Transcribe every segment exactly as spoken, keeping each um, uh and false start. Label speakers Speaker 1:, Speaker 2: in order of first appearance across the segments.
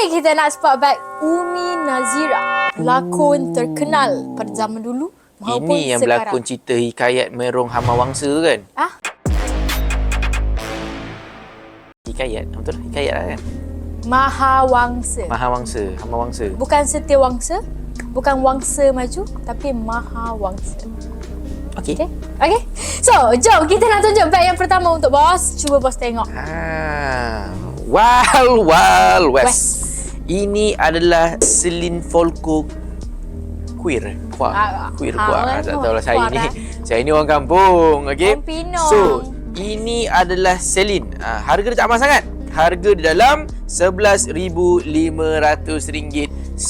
Speaker 1: ni kita nak spot back Umi Nazira, pelakon terkenal pada zaman dulu maupun
Speaker 2: Ini yang
Speaker 1: sekarang.
Speaker 2: berlakon cerita hikayat Merong Hamawangsa kan?
Speaker 1: Ah?
Speaker 2: Hikayat, betul? Hikayat lah kan?
Speaker 1: Mahawangsa.
Speaker 2: Mahawangsa, Hamawangsa.
Speaker 1: Bukan Setiawangsa, bukan Wangsa Maju, tapi Mahawangsa.
Speaker 2: Okey.
Speaker 1: Okay? Okay? So, jom kita nak tunjuk bag yang pertama untuk bos. Cuba bos tengok.
Speaker 2: Ah, Wild Wild West.
Speaker 1: West.
Speaker 2: Ini adalah Celine Folco queer. Kuah.
Speaker 1: Ah,
Speaker 2: queer
Speaker 1: ah,
Speaker 2: kuah.
Speaker 1: ah,
Speaker 2: tak tahu lah saya
Speaker 1: kuah
Speaker 2: ni.
Speaker 1: lah.
Speaker 2: Saya ni orang kampung, okey.
Speaker 1: Orang Pinang.
Speaker 2: So, ini adalah Celine. Ah, harga dia tak mahal sangat. Harga di dalam sebelas ribu lima ratus ringgit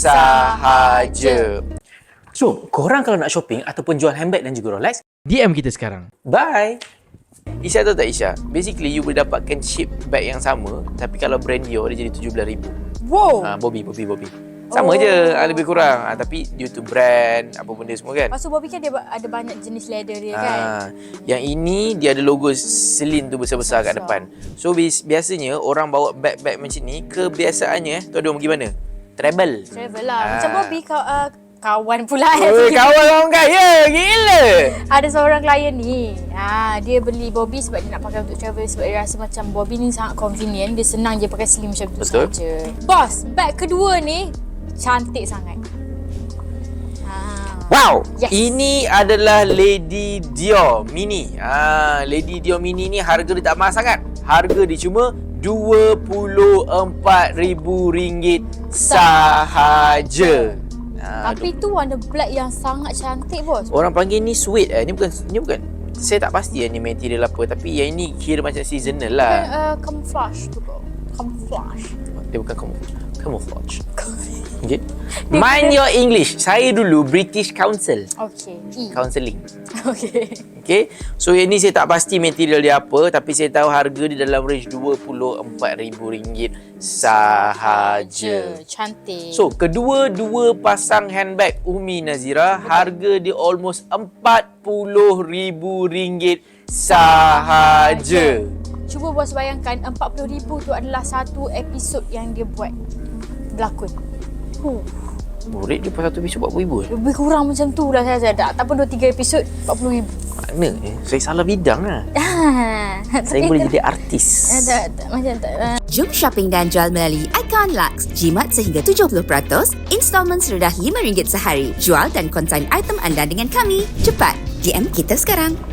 Speaker 2: sahaja. So, korang kalau nak shopping ataupun jual handbag dan juga Rolex,
Speaker 3: D M kita sekarang.
Speaker 2: bye. Isya tahu tak Isya? Basically, you boleh dapatkan shape bag yang sama, tapi kalau brand Dior, dia jadi tujuh belas ribu.
Speaker 1: Wow.
Speaker 2: Ha, Bobby, Bobby, Bobby. Sama
Speaker 1: Oh.
Speaker 2: je, ha, lebih kurang. Ha, tapi due to brand, apa benda semua kan.
Speaker 1: Lepas tu Bobby kan dia ada banyak jenis leather dia kan.
Speaker 2: Ha, yang ini, dia ada logo Celine tu besar-besar kat depan. So, bis- biasanya orang bawa bag-bag macam ni, kebiasaannya, eh, tu ada orang pergi mana? Travel.
Speaker 1: Travel lah.
Speaker 2: Ah.
Speaker 1: Macam Bobby kau, uh, kawan pula.
Speaker 2: Oi, kawan orang kaya, gila.
Speaker 1: Ada seorang klien ni, ha, dia beli Bobby sebab dia nak pakai untuk travel, sebab dia rasa macam Bobby ni sangat convenient, dia senang je pakai slim macam tu saja. Bos, bag kedua ni cantik sangat. Ha.
Speaker 2: Wow,
Speaker 1: Yes.
Speaker 2: ini adalah Lady Dior Mini. Ah, Lady Dior Mini ni harga dia tak mahal sangat. Harga dia cuma dua puluh empat ribu ringgit sahaja. Ah,
Speaker 1: Tapi tu warna black yang sangat cantik bos.
Speaker 2: orang panggil ni suede eh. Ni bukan ni bukan. Saya tak pasti ni material apa, tapi yang ini kira macam seasonal
Speaker 1: Bukan
Speaker 2: lah.
Speaker 1: uh, camouflage tu kau. Camouflage.
Speaker 2: Dia bukan camouflage. Camouflage. Okay. Mind your English. Saya dulu British Council.
Speaker 1: Okay. E.
Speaker 2: Counselling.
Speaker 1: Okay.
Speaker 2: Okay. So yang ni saya tak pasti material dia apa, tapi saya tahu harga di dalam range dua puluh empat ribu ringgit sahaja.
Speaker 1: Cantik.
Speaker 2: So kedua-dua pasang handbag Umi Nazira, harga dia almost empat puluh ribu ringgit sahaja.
Speaker 1: Cuba bos bayangkan empat puluh ribu tu adalah satu episod yang dia buat berlakon. Huh.
Speaker 2: Murid dia pas satu episod empat puluh ribu.
Speaker 1: Lebih kurang macam tu lah saya ada. Tak pun dua tiga episod empat puluh ribu.
Speaker 2: Mana eh? Saya salah bidang lah. Saya boleh jadi artis.
Speaker 1: Tak, tak, macam tak. Uh.
Speaker 4: Jom shopping dan jual melalui Icon Lux. Jimat sehingga tujuh puluh peratus, installment serendah lima ringgit sehari. Jual dan konsign item anda dengan kami. Cepat, D M kita sekarang.